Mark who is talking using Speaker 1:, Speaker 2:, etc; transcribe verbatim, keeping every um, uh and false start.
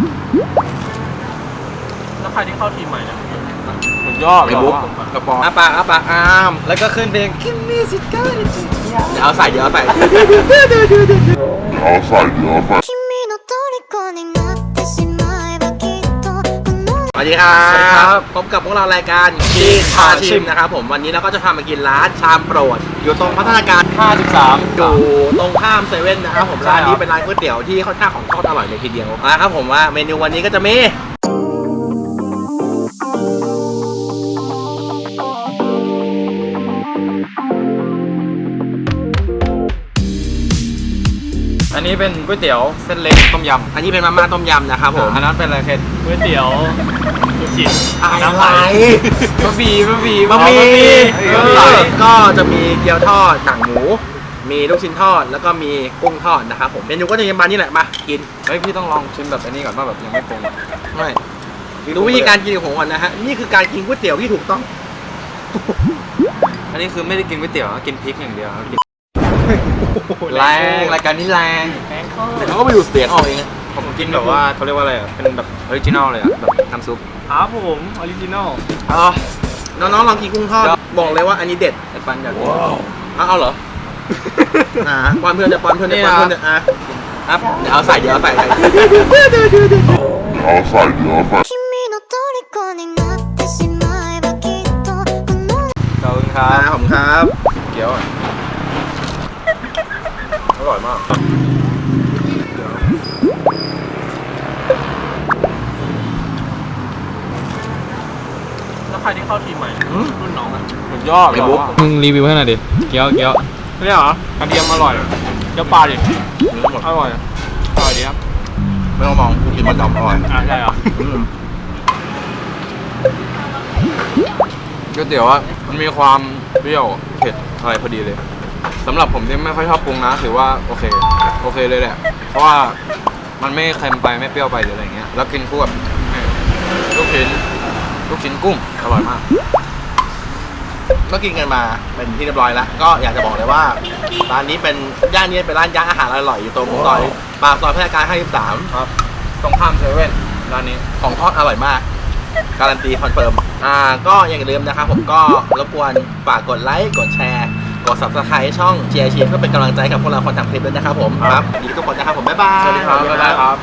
Speaker 1: แล้วใครที่เข้าทีมใหม่เนี่ยสุดย
Speaker 2: อ
Speaker 1: ด
Speaker 2: ไอ้บุ๊กกระป๋องอาปากอาปากอามแล้วก็ขึ้นเพลงคิมมี่สิก้าเดี๋ยวเอาใส่เดี๋ยวเอาใส่เอาใส่เดี๋ยวเอาใส่สวัสดีครับพบกับพวกเรารายการชีพาชิมนะครับผมวันนี้เราก็จะพามากินร้านชามโปรดอยู่ตรงพัฒนาการ
Speaker 1: ห้าสิบสาม
Speaker 2: อยู่ตรงข้ามเซเว่นนะครับผมร้านนี้เป็นร้านก๋วยเตี๋ยวที่ค่อนข้างของทอดอร่อยเลยทีเดียวนะครับผมว่าเมนูวันนี้ก็จะมี
Speaker 1: อันนี้เป็นก๋วยเตี๋ยวเส้นเล็กต้มยำ
Speaker 2: อันนี้เป็นมาม่าต้มยำนะครับผม
Speaker 1: อันนั้นเป็นอะไรเคนก๋วยเตี๋ยวลูกชิ้น
Speaker 2: อะไร
Speaker 1: บะหมี่บะหมี่
Speaker 2: บะหมี่
Speaker 1: บะหมี่
Speaker 2: ก็จะมีเกี๊ยวทอดหนังหมูมีลูกชิ้นทอดแล้วก็มีกุ้งทอดนะครับผมเมนูก็จะยังมานี่แหละมากิน
Speaker 1: เฮ้ยพี่ต้องลองชิมแบบอันนี้ก่อนว่าแบบยังไม่ปรุง
Speaker 2: ไม่ดูวิธีการกินของผมก่อนนะฮะนี่คือการกินก๋วยเตี๋ยวที่ถูกต้อง
Speaker 1: อันนี้คือไม่ได้กินก๋วยเตี๋ยวกินพริกอย่างเดียวกินแรงรายการนี้แรงแรงข้อ
Speaker 2: แต่เขาก็ไปดูดเสียงออกเองนะ
Speaker 1: ผมกินแบบว่าเขาเรียกว่าอะไรอ่ะเป็นแบบออริจินอลเลยอ่ะแบบน้ำซุปครับผมออริจินอล
Speaker 2: อ๋อน้องๆลองกินกุ้งทอดบอกเลยว่าอันนี้เด็ด
Speaker 1: ไอ้ปันอยากกิน
Speaker 2: เอาเอาเหรออ่าป้อนเพื่อนจะป้อนเพื่อนจะป้อนเพื่อนจะอ่ะอ่ะเดี๋ยวเอาใส่เดี๋ยวเอาใส่ใส่เอาใส่เดี๋ยวเอาใส่
Speaker 1: ขอบคุณค
Speaker 2: อ่า
Speaker 1: รับ
Speaker 2: ผมครับ
Speaker 1: เกี๊ยวอร่อยมากแล้วใครที่เข้าทีมใหม่รุ่นน้องอ่ะสุดยอด
Speaker 2: ไอ้บุ๊ก
Speaker 1: มึงรีวิวให้หน่อยดิเกี๊ยวเกี๊ยวนี่เหรอกระเทียมอร่อยเกี๊ยวปลาดิอร่อยอร่อยดีครับ
Speaker 2: ไม่ต้องมองกูกินประจำอร่อย
Speaker 1: อ่าใช่เหรอ
Speaker 2: อืม
Speaker 1: ก๋วยเตี๋ยวอ่ะมันมีความเปรี้ยวเผ็ดอะไรพอดีเลยสำหรับผมที่ไม่ค่อยชอบปรุงนะถือว่าโอเคโอเคเลยแหละเพราะว่ามันไม่เค็มไปไม่เปรี้ยวไปหรืออะไรเงี้ยแล้วกินคู่กับลูกชิ้นลูกชิ้นกุ้งอร่อยมาก
Speaker 2: ก็กินกันมาเป็นที่เรียบร้อยแล้วก็อยากจะบอกเลยว่าร้านนี้เป็นย่านนี้เป็นร้านย่างอาหารอร่อยอยู่ตรงซอยปากซอยพัฒนาการห้าสิบสาม
Speaker 1: ครับตรงข้ามเซเว่นร้านนี้
Speaker 2: ของทอดอร่อยมากการันตีคอนเฟิร์มอ่าก็อย่าลืมนะครับผมก็รบกวนฝากกดไลค์กดแชร์กด ซับสไครบ์ ช่องเชียร์เชียร์เพื่อเป็นกำลังใจกับพวกเราคนทำคลิปด้วยนะครับผมครับดีทุกคนนะครับผมบ๊ายบาย
Speaker 1: สวัสดีครับบ๊ายบายครับ